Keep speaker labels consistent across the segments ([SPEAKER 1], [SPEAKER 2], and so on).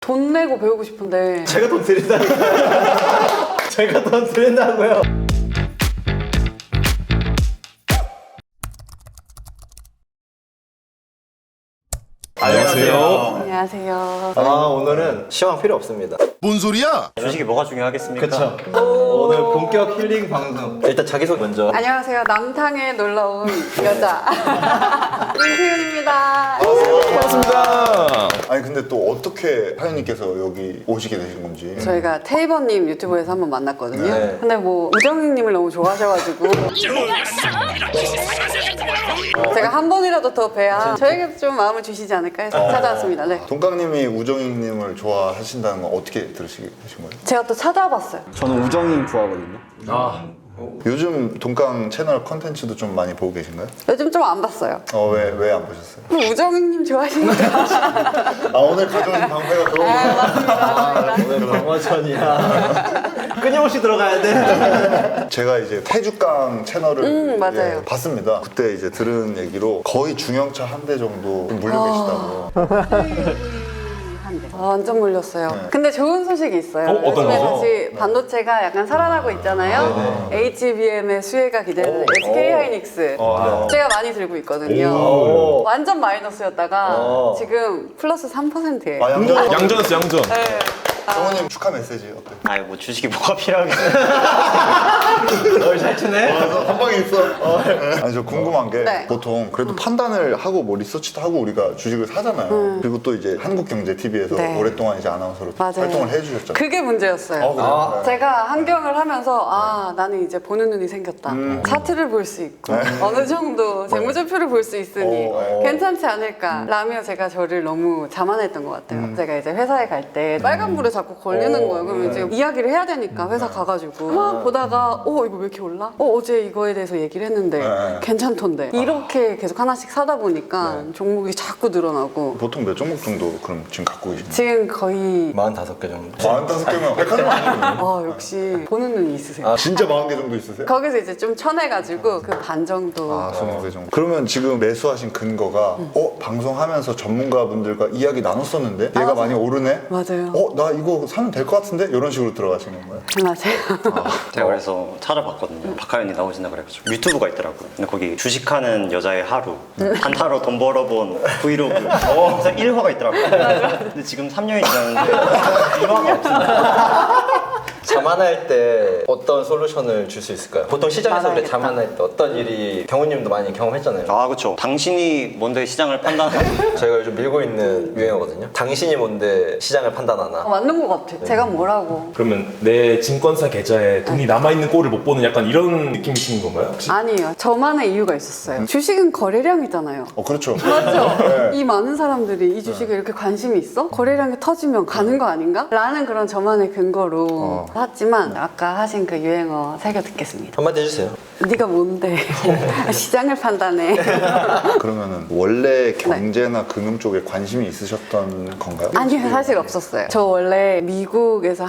[SPEAKER 1] 돈 내고 배우고 싶은데
[SPEAKER 2] 제가 돈 드린다니까요. 제가 돈 드린다고요.
[SPEAKER 3] 안녕하세요.
[SPEAKER 1] 안녕하세요.
[SPEAKER 2] 오늘은 시황 필요 없습니다.
[SPEAKER 3] 뭔 소리야?
[SPEAKER 4] 주식이 뭐가 중요하겠습니까?
[SPEAKER 2] 그쵸. 오늘 본격 힐링 방송. 일단 자기소개 먼저.
[SPEAKER 1] 안녕하세요. 남탕에 놀러 온 여자 임세윤입니다.
[SPEAKER 3] 반갑습니다.
[SPEAKER 5] 아니 근데 또 어떻게 하연님께서 여기 오시게 되신 건지.
[SPEAKER 1] 저희가 테이버님 유튜브에서 한번 만났거든요.
[SPEAKER 2] 네.
[SPEAKER 1] 근데 뭐 우정희님을 너무 좋아하셔가지고 제가 한 번이라도 더 뵈야 저에게도 좀 마음을 주시지 않을까 해서 찾아왔습니다. 네.
[SPEAKER 5] 동강님이 우정희님을 좋아하신다는 건 어떻게 들으시게 되신 거예요?
[SPEAKER 1] 제가 또 찾아봤어요.
[SPEAKER 4] 저는 우정님 좋아하거든요.
[SPEAKER 5] 요즘 동강 채널 컨텐츠도 좀 많이 보고 계신가요?
[SPEAKER 1] 요즘 좀 안 봤어요.
[SPEAKER 5] 왜 안 보셨어요?
[SPEAKER 1] 뭐 우정희님 좋아하시니까.
[SPEAKER 5] 오늘 가져오신 방패가 그런 거예요?
[SPEAKER 1] 맞습니다.
[SPEAKER 2] 오늘 방어전이야. 끊임없이 들어가야 돼.
[SPEAKER 5] 제가 이제 태주강 채널을
[SPEAKER 1] 맞아요.
[SPEAKER 5] 예, 봤습니다. 그때 이제 들은 얘기로 거의 중형차 한 대 정도 물려 계시다고.
[SPEAKER 1] 완전 몰렸어요.
[SPEAKER 5] 네.
[SPEAKER 1] 근데 좋은 소식이 있어요.
[SPEAKER 3] 어떤
[SPEAKER 1] 요즘에
[SPEAKER 3] 거죠?
[SPEAKER 1] 다시 반도체가 약간 살아나고 있잖아요. HBM의 수혜가 기대되는 SK 하이닉스. 제가 많이 들고 있거든요. 완전 마이너스였다가 지금 플러스 3%예요.
[SPEAKER 3] 양전했어, 양전.
[SPEAKER 1] 네.
[SPEAKER 5] 정원님 축하 메시지 어때?
[SPEAKER 4] 아이 뭐 주식이 뭐가 필요하겠어요?
[SPEAKER 2] 널 잘 치네.
[SPEAKER 5] 한 방에 있어. 아니 저 궁금한 게
[SPEAKER 1] 네.
[SPEAKER 5] 보통 그래도 판단을 하고 뭐 리서치도 하고 우리가 주식을 사잖아요. 그리고 또 이제 한국경제TV에서
[SPEAKER 1] 네.
[SPEAKER 5] 오랫동안 이제 아나운서로
[SPEAKER 1] 맞아요.
[SPEAKER 5] 활동을 해주셨잖아요.
[SPEAKER 1] 그게 문제였어요.
[SPEAKER 5] 그래요?
[SPEAKER 1] 제가 환경을 하면서 나는 이제 보는 눈이 생겼다. 차트를 볼 수 있고 어느 정도 재무제표를 볼 수 있으니 괜찮지 않을까 라며 제가 저를 너무 자만했던 것 같아요. 제가 이제 회사에 갈 때 빨간불에 자꾸 걸리는 거예요. 그러면 이제 이야기를 해야 되니까 회사 가가지고 막 보다가 이거 왜 이렇게 올라? 어제 이거에 대해서 얘기를 했는데 괜찮던데 이렇게 계속 하나씩 사다 보니까 종목이 자꾸 늘어나고
[SPEAKER 5] 보통 몇 종목 정도 그럼 지금 갖고 계신가요?
[SPEAKER 1] 지금 거의
[SPEAKER 2] 45개 정도.
[SPEAKER 5] 45개면 백화점 아니에요?
[SPEAKER 1] 역시 보는 눈이 있으세요.
[SPEAKER 5] 진짜 40개 정도 있으세요?
[SPEAKER 1] 거기서 이제 좀 쳐내가지고 그 반 정도
[SPEAKER 5] 20개 정도. 그러면 지금 매수하신 근거가 방송하면서 전문가분들과 이야기 나눴었는데 얘가 많이 오르네?
[SPEAKER 1] 맞아요.
[SPEAKER 5] 나 이거 사면 될 것 같은데? 이런 식으로 들어가신 건가요?
[SPEAKER 1] 맞아요.
[SPEAKER 4] 제가 그래서 찾아봤거든요. 박하연이 나오신다 그래가지고 유튜브가 있더라고요. 근데 거기 주식하는 여자의 하루, 한 하루 돈 벌어본 브이로그. 그래서 1화가 있더라고요. 근데 지금 3년이 지났는데 1화가 없습니다.
[SPEAKER 2] 자만할 때 어떤 솔루션을 줄 수 있을까요? 보통 시장에서 그래
[SPEAKER 1] 자만하겠다.
[SPEAKER 2] 자만할 때 어떤 일이 경호님도 많이 경험했잖아요.
[SPEAKER 4] 그렇죠. 당신이 뭔데 시장을 판단하고
[SPEAKER 2] 저희가 요즘 밀고 있는 유행어거든요. 당신이 뭔데 시장을 판단하나?
[SPEAKER 1] 맞는 것 같아. 제가 뭐라고.
[SPEAKER 3] 그러면 내 증권사 계좌에 돈이 남아있는 꼴을 못 보는 약간 이런 느낌이신 건가요? 혹시?
[SPEAKER 1] 아니에요. 저만의 이유가 있었어요. 주식은 거래량이잖아요.
[SPEAKER 5] 그렇죠.
[SPEAKER 1] 맞죠? 이 많은 사람들이 이 주식에 이렇게 관심이 있어? 거래량이 터지면 가는 거 아닌가? 라는 그런 저만의 근거로 샀지만 아까 하신 그 유행어 새겨 듣겠습니다.
[SPEAKER 2] 한마디 해주세요.
[SPEAKER 1] 네가 뭔데 시장을 판단해.
[SPEAKER 5] 그러면은 원래 경제나 금융 쪽에 관심이 있으셨던 건가요?
[SPEAKER 1] 아니요, 사실 없었어요. 저 원래 미국에서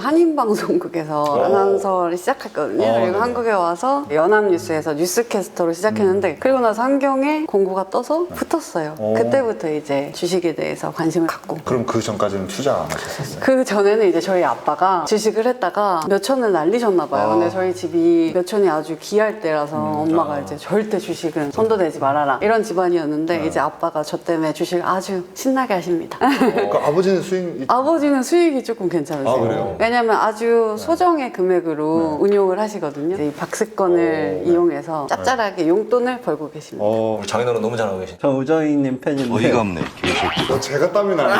[SPEAKER 1] 한인방송국에서 아나운서를 시작했거든요. 그리고 한국에 와서 연합뉴스에서 뉴스캐스터로 시작했는데 그리고 나서 환경에 공고가 떠서 붙었어요. 그때부터 이제 주식에 대해서 관심을 갖고.
[SPEAKER 5] 그럼 그 전까지는 투자 안 하셨었어요?
[SPEAKER 1] 그 전에는 이제 저희 아빠가 주식을 했다가 몇 천을 날리셨나 봐요. 근데 저희 집이 몇 천이 아주 귀할 때라서 엄마가 이제 절대 주식은 손도 대지 말아라 이런 집안이었는데 이제 아빠가 저 때문에 주식을 아주 신나게 하십니다.
[SPEAKER 5] 그 아버지는 수익
[SPEAKER 1] 아버지는 수익이 조금 괜찮으세요.
[SPEAKER 5] 그래요?
[SPEAKER 1] 왜냐면 아주 소정의 금액으로 운용을 하시거든요. 이제 이 박스권을 이용해서 짭짤하게 용돈을 벌고 계십니다.
[SPEAKER 2] 우리 장인어른 너무 잘하고 계시네.
[SPEAKER 4] 저 우정희님 팬인데
[SPEAKER 3] 없네.
[SPEAKER 5] 제가 땀이 나요.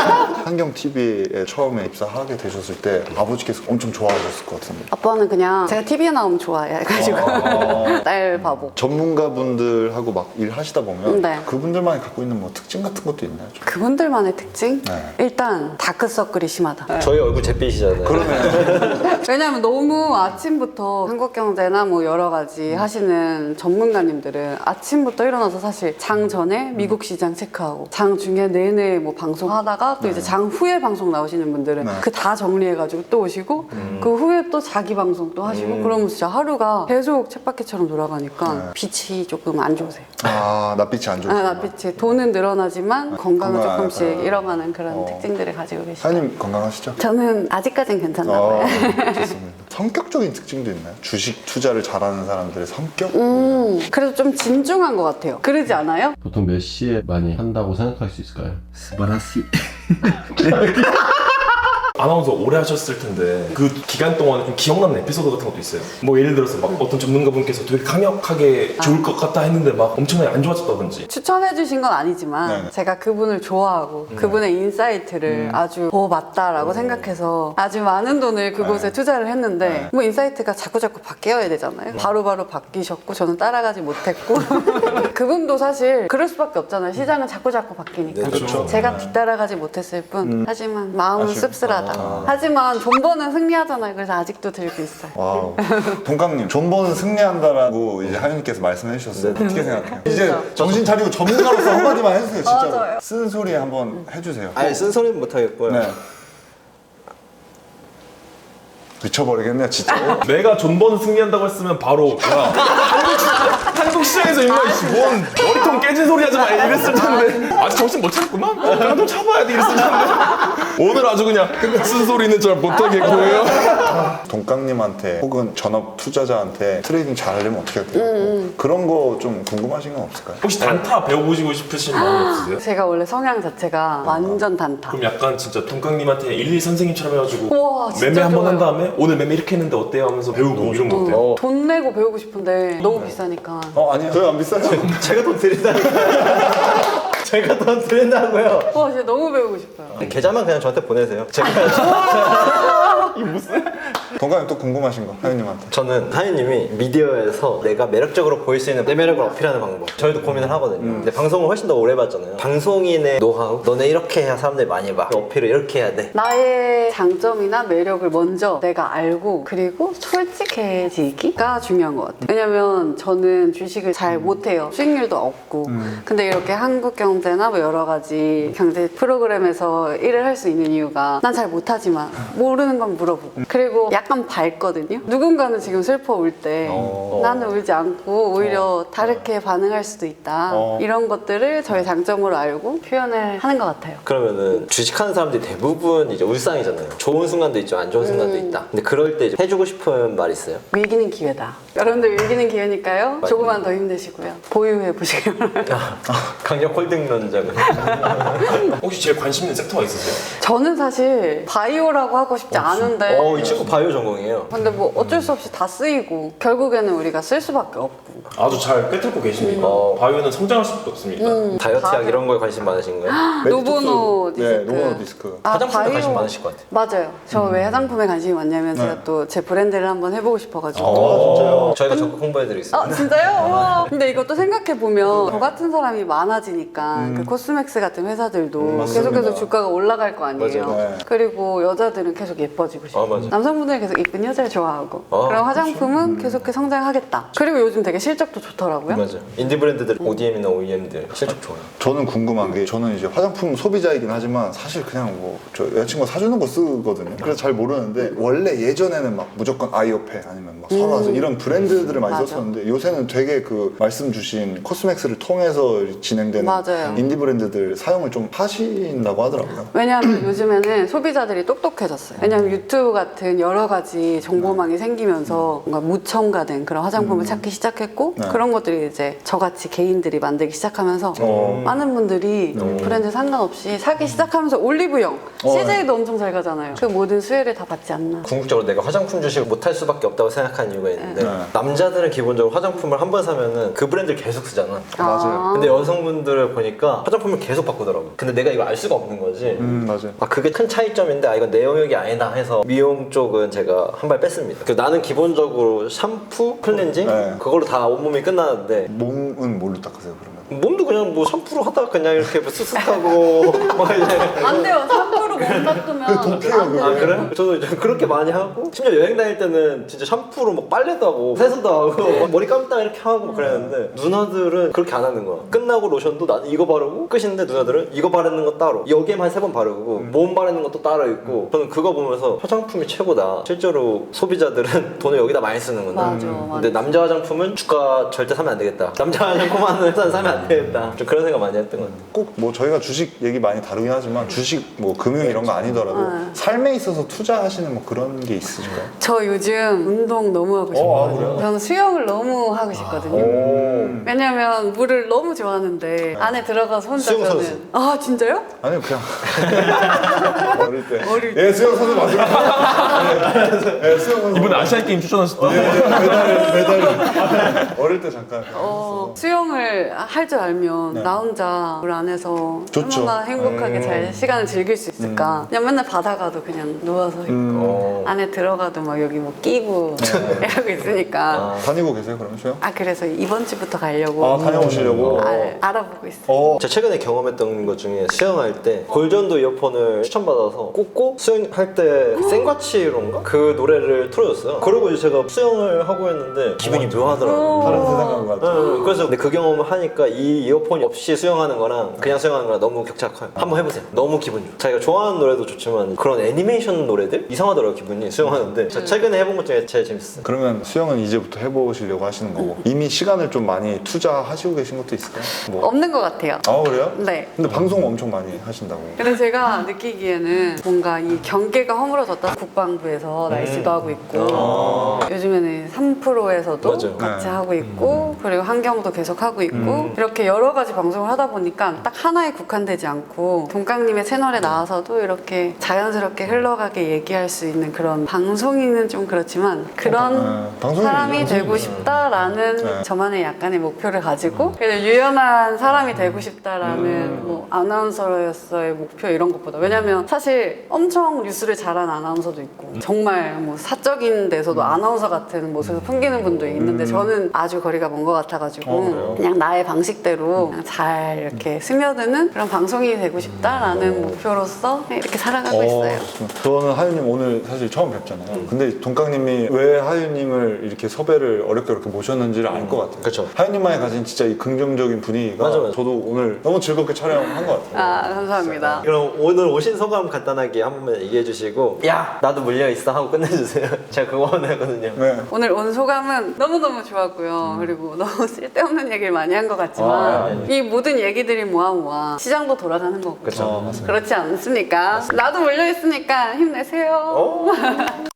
[SPEAKER 5] 환경TV에 처음에 입사하게 되셨을 때 아버지께서 엄청 좋아하셨을 것 같은데
[SPEAKER 1] 아빠는 그냥 제가 TV에 나오면 좋아해 가지고 딸 바보.
[SPEAKER 5] 전문가분들하고 막 일하시다 보면
[SPEAKER 1] 네.
[SPEAKER 5] 그분들만이 갖고 있는 뭐 특징 같은 것도 있나요? 좀?
[SPEAKER 1] 그분들만의 특징?
[SPEAKER 5] 네.
[SPEAKER 1] 일단 다크서클이 심하다.
[SPEAKER 2] 저희 얼굴 잿빛이잖아요.
[SPEAKER 1] 왜냐면 너무 아침부터 한국경제나 뭐 여러 가지 하시는 전문가님들은 아침부터 일어나서 사실 장 전에 미국 시장 체크하고 장 중에 내내 뭐 방송하다가 또 이제 장 후에 방송 나오시는 오시는 분들은
[SPEAKER 5] 네.
[SPEAKER 1] 그 다 정리해가지고 또 오시고 그 후에 또 자기 방송 또 하시고 그러면 진짜 하루가 계속 쳇바퀴처럼 돌아가니까
[SPEAKER 5] 네.
[SPEAKER 1] 빛이 조금 안 좋으세요.
[SPEAKER 5] 아, 낯빛이 안 좋으시구나.
[SPEAKER 1] 낯빛이 돈은 늘어나지만 건강은
[SPEAKER 5] 건강,
[SPEAKER 1] 조금씩 잃어가는 그런 특징들을 가지고 계시죠.
[SPEAKER 5] 사장님 건강하시죠?
[SPEAKER 1] 저는 아직까진 괜찮나 봐요.
[SPEAKER 5] 좋습니다. 성격적인 특징도 있나요? 주식 투자를 잘하는 사람들의 성격?
[SPEAKER 1] 그래서 좀 진중한 것 같아요. 그러지 않아요?
[SPEAKER 6] 보통 몇 시에 많이 한다고 생각할 수 있을까요?
[SPEAKER 3] 아나운서 오래 하셨을 텐데 그 기간 동안에 좀 기억나는 에피소드 같은 것도 있어요? 뭐 예를 들어서 막 어떤 전문가분께서 되게 강력하게 좋을 것 같다 했는데 막 엄청나게 안 좋아졌다든지.
[SPEAKER 1] 추천해 주신 건 아니지만
[SPEAKER 5] 네네.
[SPEAKER 1] 제가 그분을 좋아하고 그분의 인사이트를 아주 맞다라고 생각해서 아주 많은 돈을 그곳에 투자를 했는데 뭐 인사이트가 자꾸자꾸 바뀌어야 되잖아요. 바로바로 바뀌셨고 저는 따라가지 못했고 그분도 사실 그럴 수밖에 없잖아요. 시장은 자꾸자꾸 바뀌니까.
[SPEAKER 3] 그렇죠.
[SPEAKER 1] 제가 뒤따라가지 못했을 뿐 하지만 마음은
[SPEAKER 5] 아쉬워.
[SPEAKER 1] 씁쓸하다. 하지만 존버는 승리하잖아요. 그래서 아직도 들고 있어요.
[SPEAKER 5] 와우. 동강님, 존버는 승리한다라고 이제 하윤님께서 말씀해 주셨어요. 어떻게 생각해요? 이제 정신 차리고 전문가로서 한마디만 해주세요, 진짜로.
[SPEAKER 1] 맞아요.
[SPEAKER 5] 쓴 소리 한번 해주세요.
[SPEAKER 2] 아예 쓴소리는 못하겠고요.
[SPEAKER 5] 네. 미쳐버리겠네요, 진짜.
[SPEAKER 3] 내가 존버는 승리한다고 했으면 바로 야 한국 시장에서 임마 뭔 머리통 깨진 소리 하지 마 이랬을 텐데 아직 정신 못 차렸구만? 그냥 좀 참아야 돼 이랬을 텐데 오늘 아주 그냥 쓴소리는 잘 못하겠고요.
[SPEAKER 5] 동강님한테 혹은 전업 투자자한테 트레이딩 잘하려면 어떻게 해야 돼요? 그런 거 좀 궁금하신 건 없을까요?
[SPEAKER 3] 혹시 단타 배워보시고 싶으신 마음 없으세요?
[SPEAKER 1] 제가 원래 성향 자체가 완전 단타.
[SPEAKER 3] 그럼 약간 진짜 동강님한테 1, 2 선생님처럼 해가지고
[SPEAKER 1] 우와, 진짜
[SPEAKER 3] 매매 한 번 한
[SPEAKER 1] 좋아요.
[SPEAKER 3] 다음에 오늘 매매 이렇게 했는데 어때요? 하면서 배우고 이런 거 어때요?
[SPEAKER 1] 돈 내고 배우고 싶은데 너무 비싸니까.
[SPEAKER 5] 아니요. 저희 안 비싸요.
[SPEAKER 2] 제가 돈 드린다고요. 제가 돈 드린다고요.
[SPEAKER 1] 와 진짜 너무 배우고 싶어요.
[SPEAKER 2] 계좌만 그냥 저한테 보내세요. 제가
[SPEAKER 5] 동강님 또 궁금하신 거, 하윤님한테.
[SPEAKER 2] 저는 하윤님이 미디어에서 내가 매력적으로 보일 수 있는 내 매력을 어필하는 방법 저희도 고민을 하거든요. 근데 방송을 훨씬 더 오래 봤잖아요. 방송인의 노하우 너네 이렇게 해야 사람들이 많이 봐. 어필을 이렇게 해야 돼.
[SPEAKER 1] 나의 장점이나 매력을 먼저 내가 알고 그리고 솔직해지기가 중요한 것 같아요. 왜냐면 저는 주식을 잘 못해요. 수익률도 없고. 근데 이렇게 한국경제나 뭐 여러 가지 경제 프로그램에서 일을 할 수 있는 이유가 난 잘 못하지만 모르는 건 물어보고 그리고 약간 밝거든요. 누군가는 지금 슬퍼 울 때 나는 울지 않고 오히려 다르게 반응할 수도 있다. 이런 것들을 저의 장점으로 알고 표현을 하는 것 같아요.
[SPEAKER 2] 그러면은 주식하는 사람들이 대부분 이제 울상이잖아요. 좋은 순간도 있죠, 안 좋은 순간도 있다. 근데 그럴 때 이제 해주고 싶은 말 있어요?
[SPEAKER 1] 위기는 기회다. 여러분들 위기는 기회니까요. 조금만 더 힘내시고요. 보유해 보시길 바랍니다.
[SPEAKER 2] 강력 홀딩론자는.
[SPEAKER 3] 혹시 제일 관심 있는 섹터가 있으세요?
[SPEAKER 1] 저는 사실 바이오라고 하고 싶지 않은데
[SPEAKER 2] 이 친구 바이오 전공이에요.
[SPEAKER 1] 근데 뭐 어쩔 수 없이 다 쓰이고 결국에는 우리가 쓸 수밖에 없고
[SPEAKER 3] 아주 잘 꿰뚫고 계십니다. 바이오는 성장할 수밖에 없습니다.
[SPEAKER 2] 다이어트약 이런 거에 관심 많으신 거예요?
[SPEAKER 1] 노보노 디스크.
[SPEAKER 5] 네, 노보노 디스크.
[SPEAKER 2] 화장품에 관심 많으실 것 같아요.
[SPEAKER 1] 맞아요. 저 왜 화장품에 관심이 많냐면 제가 또 제 브랜드를 한번 해보고 싶어가지고
[SPEAKER 2] 진짜요? 저희가 적극 홍보해드리겠습니다.
[SPEAKER 1] 아 진짜요? 우와. 근데 이것도 생각해보면 저 같은 사람이 많아지니까 그 코스맥스 같은 회사들도 계속해서 주가가 올라갈 거 아니에요.
[SPEAKER 5] 맞아요. 네.
[SPEAKER 1] 그리고 여자들은 계속 예뻐지고 싶고
[SPEAKER 2] 맞아요.
[SPEAKER 1] 남성분들은 계속 이쁜 여자를 좋아하고 그럼 화장품은 계속해서 성장하겠다. 그리고 요즘 되게 실적도 좋더라고요.
[SPEAKER 2] 맞아요. 인디 브랜드들, ODM이나 OEM들 실적 좋아요.
[SPEAKER 5] 저는 궁금한 게 저는 이제 화장품 소비자이긴 하지만 사실 그냥 뭐 저 여자친구가 사주는 거 쓰거든요. 그래서 잘 모르는데 원래 예전에는 막 무조건 아이오페 아니면 막 설화서 이런 브랜드들을 많이
[SPEAKER 1] 맞아.
[SPEAKER 5] 썼었는데 요새는 되게 그 말씀 주신 코스맥스를 통해서 진행되는
[SPEAKER 1] 맞아요.
[SPEAKER 5] 인디 브랜드들 사용을 좀 하신다고 하더라고요.
[SPEAKER 1] 왜냐하면 요즘에는 소비자들이 똑똑해졌어요. 왜냐하면 유튜브 같은 여러 가지 정보망이 생기면서 뭔가 무첨가된 그런 화장품을 찾기 시작했고
[SPEAKER 5] 네.
[SPEAKER 1] 그런 것들이 이제 저같이 개인들이 만들기 시작하면서 많은 분들이 브랜드 상관없이 사기 시작하면서 올리브영, CJ도 엄청 잘 가잖아요. 그 모든 수혜를 다 받지 않나.
[SPEAKER 2] 궁극적으로 내가 화장품 주식을 못할 수밖에 없다고 생각하는 이유가 있는데
[SPEAKER 5] 네.
[SPEAKER 2] 남자들은 기본적으로 화장품을 한 번 사면은 그 브랜드를 계속 쓰잖아.
[SPEAKER 5] 맞아요.
[SPEAKER 2] 근데 여성분들을 보니까 화장품을 계속 바꾸더라고. 근데 내가 이거 알 수가 없는 거지.
[SPEAKER 5] 맞아요.
[SPEAKER 2] 그게 큰 차이점인데 이건 내 영역이 아니다 해서 미용 쪽은 제가 한 발 뺐습니다. 나는 기본적으로 샴푸, 클렌징
[SPEAKER 5] 네.
[SPEAKER 2] 그걸로 다 온몸이 끝나는데
[SPEAKER 5] 몸은 뭘로 닦으세요 그러면?
[SPEAKER 2] 몸도 그냥 뭐 샴푸로 하다가 그냥 이렇게 뭐 쓱쓱하고 막 이제
[SPEAKER 1] 안 돼요. 샴푸로 샴푸를 못 닦으면 안 돼.
[SPEAKER 2] 아 그래? 저도 이제 그렇게 많이 하고 심지어 여행 다닐 때는 진짜 샴푸로 막 빨래도 하고 세수도 하고 막 머리 감다 이렇게 하고 막 그랬는데 누나들은 그렇게 안 하는 거야. 끝나고 로션도 나는 이거 바르고 끝인데 누나들은 이거 바르는 거 따로 여기에만 3번 바르고 몸 바르는 것도 따로 있고 저는 그거 보면서 화장품이 최고다. 실제로 소비자들은 돈을 여기다 많이 쓰는구나.
[SPEAKER 1] 맞아,
[SPEAKER 2] 근데 남자 화장품은 주가 절대 사면 안 되겠다. 남자 화장품 하는 회사는 사면 안 되겠다. 좀 그런 생각 많이 했던 것 같아요.
[SPEAKER 5] 꼭 뭐 저희가 주식 얘기 많이 다루긴 하지만 주식 뭐 금융 이런 거 아니더라도 삶에 있어서 투자하시는 뭐 그런 게 있으실까요?
[SPEAKER 1] 저 요즘 운동 너무 하고 싶어요.
[SPEAKER 5] 그래요?
[SPEAKER 1] 저는 수영을 너무 하고 싶거든요. 왜냐면 물을 너무 좋아하는데 안에 들어가서 혼자
[SPEAKER 2] 수영
[SPEAKER 1] 저는
[SPEAKER 2] 선수.
[SPEAKER 1] 아 진짜요?
[SPEAKER 5] 아니요 그냥 어릴 때. 예 수영 선수 맞아요. 예 수영 선수.
[SPEAKER 3] 이번에 아시안 게임 출전하셨던.
[SPEAKER 5] 메달 어릴 때 잠깐.
[SPEAKER 1] 수영을 할 줄 알면 나 혼자 물 안에서
[SPEAKER 5] 좋죠.
[SPEAKER 1] 얼마나 행복하게 잘 시간을 즐길 수 있을까. 그냥 맨날 바다 가도 그냥 누워서 있고 안에 들어가도 막 여기 뭐 끼고 이러고 있으니까.
[SPEAKER 5] 다니고 계세요 그럼 수영?
[SPEAKER 1] 아 그래서 이번 주부터 가려고
[SPEAKER 5] 다녀오시려고.
[SPEAKER 1] 알아보고 있어요.
[SPEAKER 2] 제가 최근에 경험했던 것 중에 수영할 때 골전도 이어폰을 추천받아서 꽂고 수영할 때 생과치로인가? 그 노래를 틀어줬어요. 그러고 이제 제가 수영을 하고 있는데 기분이 묘하더라고요.
[SPEAKER 5] 다른 세상 간것 같아요.
[SPEAKER 2] 그래서 근데 그 경험을 하니까 이 이어폰이 없이 수영하는 거랑 그냥 수영하는 거랑 너무 격차가 커요. 한번 해보세요. 너무 기분 좋아요. 자기가 좋아하는 노래도 좋지만 그런 애니메이션 노래들? 이상하더라고요 기분이 수영하는데 제가 최근에 해본 것 중에 제일 재밌었어요.
[SPEAKER 5] 그러면 수영은 이제부터 해보시려고 하시는 거고 이미 시간을 좀 많이 투자하시고 계신 것도 있을까요? 뭐.
[SPEAKER 1] 없는 것 같아요.
[SPEAKER 5] 아 그래요?
[SPEAKER 1] 네.
[SPEAKER 5] 근데 방송 엄청 많이 하신다고.
[SPEAKER 1] 근데 제가 느끼기에는 뭔가 이 경계가 허물어졌다. 국방부에서 날씨도 하고 있고 요즘에는 3프로에서도
[SPEAKER 2] 맞아요.
[SPEAKER 1] 같이
[SPEAKER 5] 네.
[SPEAKER 1] 하고 있고 그리고 환경도 계속 하고 있고 이렇게 여러 가지 방송을 하다 보니까 딱 하나에 국한되지 않고 동강님의 채널에 나와서도 이렇게 자연스럽게 흘러가게 얘기할 수 있는 그런 방송인은 좀 그렇지만 그런
[SPEAKER 5] 방송인이죠.
[SPEAKER 1] 사람이 되고 싶다라는 저만의 약간의 목표를 가지고 그래도 유연한 사람이 되고 싶다라는 뭐 아나운서로서의 목표 이런 것보다 왜냐면 사실 엄청 뉴스를 잘하는 아나운서도 있고 정말 뭐 사적인 데서도 아나운서 같은 모습을 풍기는 분도 있는데 저는 아주 거리가 먼 것 같아가지고 그냥 나의 방식대로 그냥 잘 이렇게 스며드는 그런 방송인이 되고 싶다라는 목표로서 이렇게 살아가고 있어요.
[SPEAKER 5] 저는 하윤님 오늘 사실 처음 뵙잖아요. 근데 동강님이 왜 하윤님을 이렇게 섭외를 어렵게 모셨는지를 알 것 같아요.
[SPEAKER 2] 그쵸.
[SPEAKER 5] 하윤님만이 가진 진짜 이 긍정적인 분위기가
[SPEAKER 2] 맞아.
[SPEAKER 5] 저도 오늘 너무 즐겁게 촬영한 것 같아요.
[SPEAKER 1] 아 감사합니다.
[SPEAKER 2] 그럼 오늘 오신 소감 간단하게 한 번만 얘기해 주시고 야 나도 물려있어 하고 끝내주세요. 제가 그거 원하거든요.
[SPEAKER 5] 네.
[SPEAKER 1] 오늘 온 소감은 너무너무 좋았고요. 그리고 너무 쓸데없는 얘기를 많이 한 것 같지만 이 모든 얘기들이 모아 시장도 돌아가는 거고
[SPEAKER 2] 그쵸.
[SPEAKER 1] 그렇지 않습니까? 나도 몰려있으니까 힘내세요.